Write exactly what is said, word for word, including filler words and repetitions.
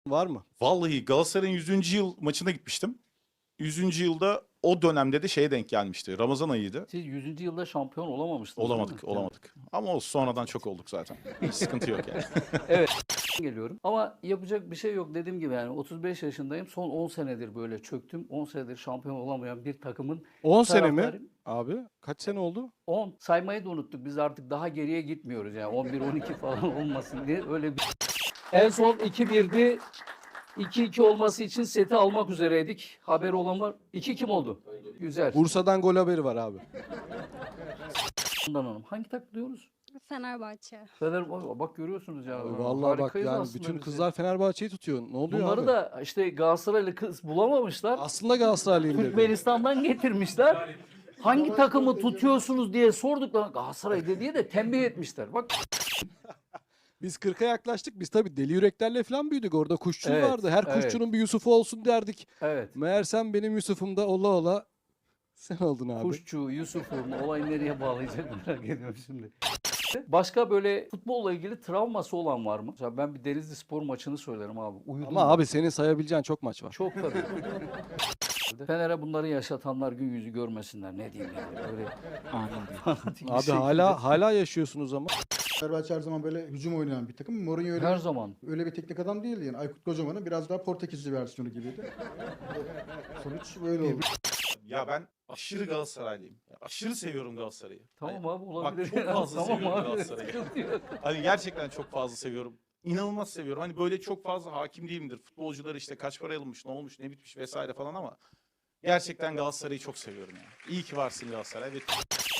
Var mı? Vallahi Galatasaray'ın yüzüncü yıl maçına gitmiştim. yüzüncü yılda o dönemde de şeye denk gelmişti. Ramazan ayıydı. Siz yüzüncü yılda şampiyon olamamıştınız değil Olamadık, mi? olamadık. Ama o sonradan çok olduk zaten. Hiç sıkıntı yok yani. Evet. Geliyorum. Ama yapacak bir şey yok. Dediğim gibi yani otuz beş yaşındayım. Son on senedir böyle çöktüm. on senedir şampiyon olamayan bir takımın on sene mi? taraftarıyım. Abi kaç sene oldu? on saymayı da unuttuk. Biz artık daha geriye gitmiyoruz yani. on bir on iki falan olmasın diye öyle bir... En son iki birdi. iki iki olması için seti almak üzereydik. Haberi olan var. iki kim oldu? Güzel. Bursa'dan gol haberi var abi. Bundan Hanım. Hangi takım diyoruz? Fenerbahçe. Fener, bak görüyorsunuz ya. Vallahi bak Harikayız yani aslında bütün biz kızlar ya. Fenerbahçe'yi tutuyor. Ne oluyor Bunları abi? da işte Galatasaraylı kız bulamamışlar. Aslında Galatasaraylıyım dedi. Türkmenistan'dan getirmişler. Hangi takımı tutuyorsunuz diye sorduklarında Galatasaray diye de tembih etmişler. Bak Biz kırka yaklaştık. Biz tabii deli yüreklerle falan büyüdük. Orada kuşçu Evet, vardı. Her evet. kuşçunun bir Yusuf'u olsun derdik. evet. Meğersem benim Yusuf'um da ola ola sen oldun abi. Kuşçu, Yusuf'um olayı nereye bağlayacak merak ediyorum şimdi. Başka böyle futbolla ilgili travması olan var mı? Mesela ben bir Denizli Spor maçını söylerim abi. Uyudum. Ama ben. abi senin sayabileceğin çok maç var. Çok tabii. Fener'e bunları yaşatanlar gün yüzü görmesinler. Ne diyeyim yani. Böyle fanatik bir Abi şekilde. hala hala yaşıyorsunuz ama. Fenerbahçe her zaman böyle hücum oynayan bir takım. Mourinho öyle, Her zaman. öyle bir teknik adam değildi yani. Aykut Kocaman'ın biraz daha Portekizli versiyonu gibiydi. Sonuç böyle oldu. Ya ben aşırı Galatasaraylıyım. Ya aşırı seviyorum Galatasaray'ı. Tamam Hani abi olabilir. çok fazla tamam seviyorum abi. Galatasaray'ı. Sıkıntı yok. Hani gerçekten çok fazla seviyorum. İnanılmaz seviyorum. Hani böyle çok fazla hakim değilimdir. Futbolcular işte kaç para alınmış, ne olmuş, ne bitmiş vesaire falan ama gerçekten Galatasaray'ı çok seviyorum yani. İyi ki varsın Galatasaray. Ve